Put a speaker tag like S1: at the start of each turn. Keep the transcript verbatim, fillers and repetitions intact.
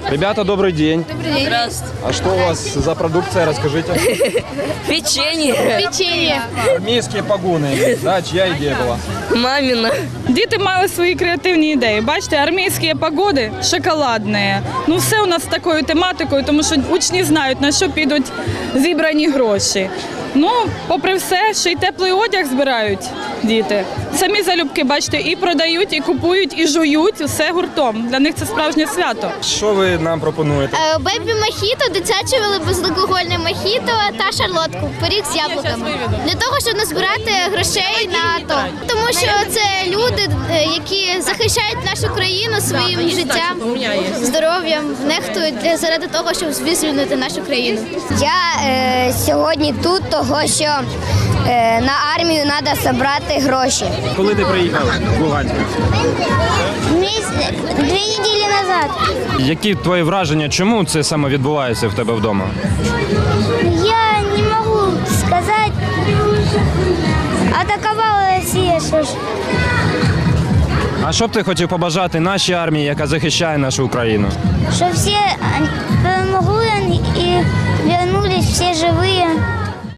S1: Ребята, добрый день.
S2: Добрый день.
S3: Здравствуйте.
S1: А что у вас за продукция, расскажите?
S3: Печенье.
S2: Печенье.
S1: Армейские погоны, да, чья идея была?
S3: Мамина.
S4: Діти мали свої креативні ідеї. Бачите, армійські погоди шоколадні. Ну все у нас з такою тематикою, тому що учні знають, на що підуть зібрані гроші. Ну, попри все, ще й теплий одяг збирають діти. Самі залюбки, бачите, і продають, і купують, і жують, все гуртом. Для них це справжнє свято.
S1: Що ви нам пропонуєте?
S2: Бебі мохіто, дитяче безалкогольне мохіто та шарлотку, пиріг з яблуками. Для того, щоб назбирати грошей на АТО. Тому що це люди, які захищають нашу країну своїм життям, здоров'ям, нехтують для- заради того, щоб звільнити нашу країну.
S5: Я е, сьогодні тут, того що е, на армію треба зібрати гроші.
S1: Коли ти приїхав в Луганськ?
S5: Дві неділі назад.
S1: Які твої враження, чому це саме відбувається в тебе вдома?
S5: Я не можу сказати, атакувала Росія, що ж.
S1: А що б ти хотів побажати нашій армії, яка захищає нашу Україну?
S5: Щоб всі перемогли і повернулись всі живі.